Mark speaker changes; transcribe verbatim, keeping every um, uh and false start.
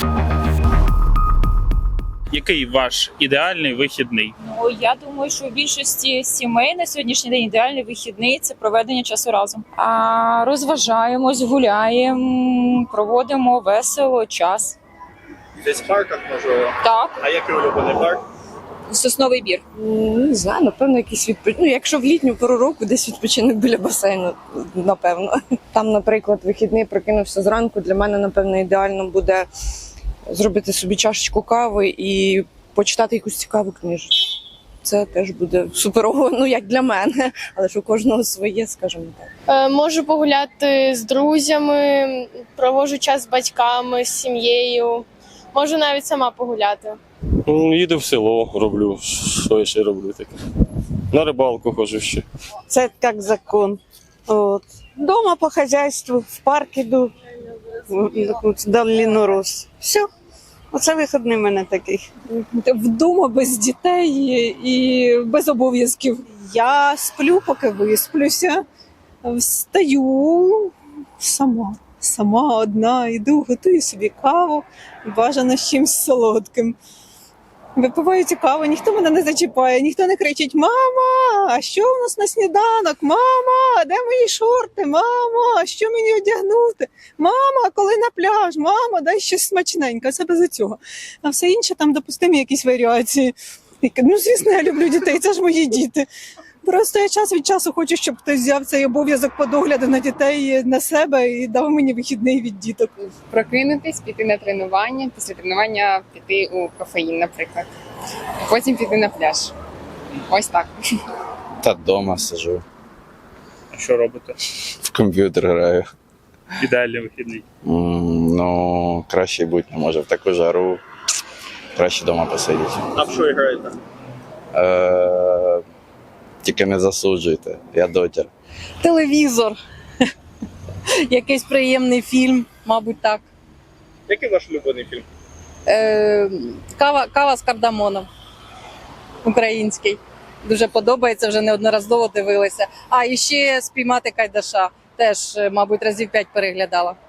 Speaker 1: Який ваш ідеальний вихідний?
Speaker 2: Ну, я думаю, що у більшості сімей на сьогоднішній день ідеальний вихідний – це проведення часу разом. А розважаємось, гуляємо, проводимо весело час.
Speaker 3: Десь в парках, можливо.
Speaker 2: Так,
Speaker 3: А який улюблений парк?
Speaker 2: Сосновий бір.
Speaker 4: М, Не знаю, напевно, якийсь відпочинок. Ну, якщо в літню пору року, десь відпочинок біля басейну, напевно. Там, наприклад, вихідний прокинувся зранку. Для мене, напевно, ідеально буде зробити собі чашечку кави і почитати якусь цікаву книжечку. Це теж буде суперово, ну як для мене, але ж у кожного своє, скажімо так.
Speaker 5: Е, Можу погуляти з друзями, проводжу час з батьками, з сім'єю. Можу навіть сама погуляти.
Speaker 6: Ну, їду в село, роблю, що я ще роблю таке. На рибалку ходжу ще.
Speaker 7: Це як закон. От. Дома по хазяйству, в парк іду, долину рос. Все. Оце вихідний в мене такий.
Speaker 8: Вдома без дітей і без обов'язків. Я сплю, поки висплюся, встаю сама, сама одна, йду, готую собі каву, бажано з чимось солодким. Випиваю цю каву, ніхто мене не зачіпає, ніхто не кричить: «Мама, а що у нас на сніданок? Мама, де мої шорти? Мама, а що мені одягнути? Мама, коли на пляж? Мама, дай щось смачненьке». Це без цього. А все інше там допустимі якісь варіації. Ну, звісно, я люблю дітей, це ж мої діти. Просто я час від часу хочу, щоб хтось взяв цей обов'язок по догляду на дітей на себе і дав мені вихідний від діток.
Speaker 9: Прокинутись, піти на тренування, після тренування піти у кофеїн, наприклад. Потім піти на пляж. Ось так.
Speaker 10: Та вдома сижу,
Speaker 1: А що робите?
Speaker 10: в комп'ютер граю.
Speaker 1: Ідеальний вихідний.
Speaker 10: М, Ну, краще бути не може в таку жару. Краще вдома посидіти.
Speaker 3: А в що граєте?
Speaker 10: Е, Тільки не засуджуйте, я дотір.
Speaker 4: Телевізор, якийсь приємний фільм, мабуть, так.
Speaker 3: Який ваш улюблений фільм?
Speaker 4: Е, кава, кава з кардамоном, український. Дуже подобається, вже неодноразово дивилася. А і ще «Спіймати Кайдаша». Теж, мабуть, разів п'ять переглядала.